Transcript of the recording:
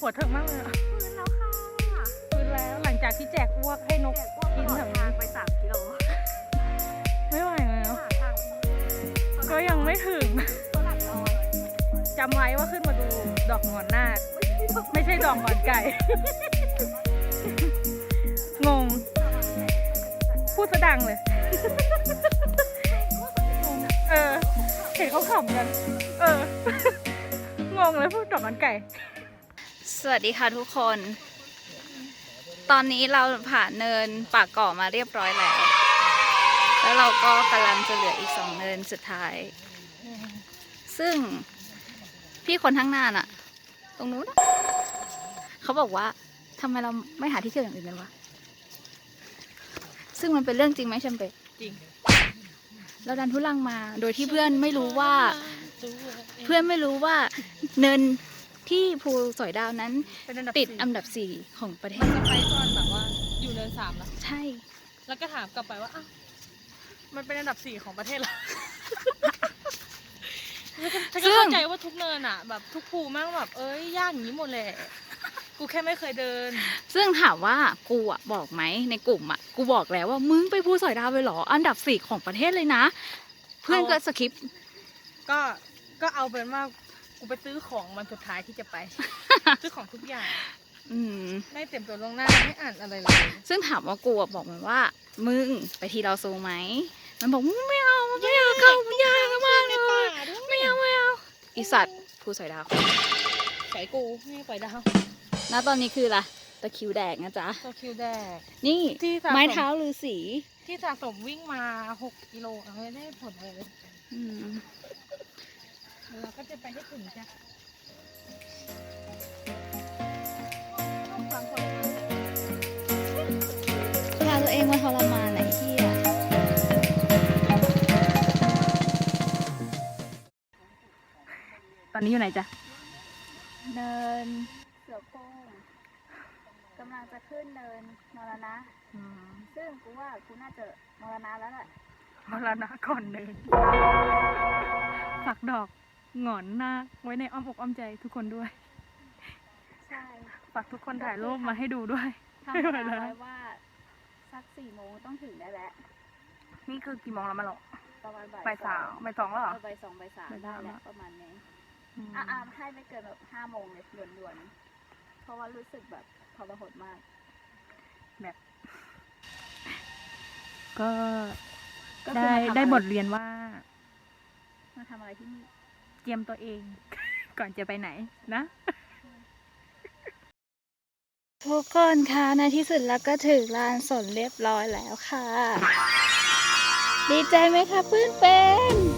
หัวเถิกมากเลยอะฟื้นแล้วค่ะฟื้นแล้วหลังจากที่แจกอ้วกให้นกแจกอ้วกตกินลอแถดวทางนี้ไป3 กิโลไม่ไหวแล้วหาทางก็ยังไม่ถึงฝรั่งน้อยจำไว้ว่าขึ้นมาดูดอกงอนนาคไม่ใช่ดอกงอนไก่ งง พูดซะดังเลย เออ เห็นเขาขำกัน เออ งงเลยพูดดอกงอนไก่สวัสดีค่ะทุกคน ตอนนี้เราผ่านเนินปากเก่อมาเรียบร้อยแล้ว แล้วเราก็กำลังจะเหลืออีก2 เนินสุดท้าย ซึ่งพี่คนข้างหน้าน่ะ ตรงนู้นน่ะเขาบอกว่าทำไมเราไม่หาที่เที่ยวอย่างอื่นกันวะ ซึ่งมันเป็นเรื่องจริงไหมแชมเปญจริงเราดันทุลังมาโดยที่เพื่อนไม่รู้ว่า เนินที่ภูสอยดาวนั้นเป็นอันดับติดสี่อันดับ 4 ของประเทมันศจะไปตอนแบบว่าอยู่เนิน3แล้วใช่แล้วก็ถามกลับไปว่าอ้าวมันเป็นอันดับ 4 ของประเทศเราฉันก็เข้าใจว่าทุกเนินอ่ะ แบบทุกภูแม่งแบบเอ้ยยากอย่างนี้หมดแหละ กูแค่ไม่เคยเดินซึ่งถามว่ากูอ่ะบอกไหมในกลุ่มอ่ะกูบอกแล้วว่ามึงไปภูสอยดาวไปเหรออันดับ 4 ของประเทศเลยนะ เพื่อนก็สคิปก็เอาเป็นว่ากูไปซื้อของวันสุดท้ายที่จะไป ซื้อของทุกอย่างอืมไม่เต็มตัวลวงหน้าไม่อ่านอะไรเลยซึ่งถามว่ากูอะบอกมันว่า มึงไปทีเราซูไหมมันบอกมึงไม่เอามันไม่เอาเข้ามันยากมากเลยไม่เอาอีสัตว์ภูสอยดาวใส่กูไม่ปล่อยดาวณตอนนี้คืออะไรตะคริวแดกนะจ๊ะตัวคิวแดกนี่ที่สะสมไม้เท้าฤาษีที่สะสมวิ่งมา 6 กิโลอะไม่ได้ผลเลยอืมเราก็จะไปให้ถึงจ้ะพาตัวเองมาทรมานไหนที่อ่ะตอนนี้อยู่ไหนจ๊ะเนินเสือโคร่งกำลังจะขึ้นเนินมรณะ ซึ่งกูว่ากูน่าจะมรณะแล้วแหละมรณะก่อนเลยฝากดอกหงอนนาคไว้ในอ้อมอกอ้อมใจทุกคนด้วยใช่ฝากทุกคนถ่ายรูปมาให้ดูด้วยทำเวลาไว้ว่าสัก4 โมงต้องถึงได้แล้วนี่คือกี่โมงแล้วมาหรอประมาณบ่ายสามบ่ายสองแล้วเหรอบ่าย 2บ่าย 3 บ่ายสามได้แหละละประมาณนี้อืมให้ไม่เกินแบบ5 โมงเลยด่วนๆเพราะว่ารู้สึกแบบทรหดมากก็ก็คือได้มาทำอะไรได้บทเรียนว่ามาทำอะไรที่นี่เตรียมตัวเอง ก่อนจะไปไหนนะทุกคนคะในที่สุดแล้วก็ถึงลานสนเรียบร้อยแล้วค่ะ ดีใจไหมคะเพื่อนเป็น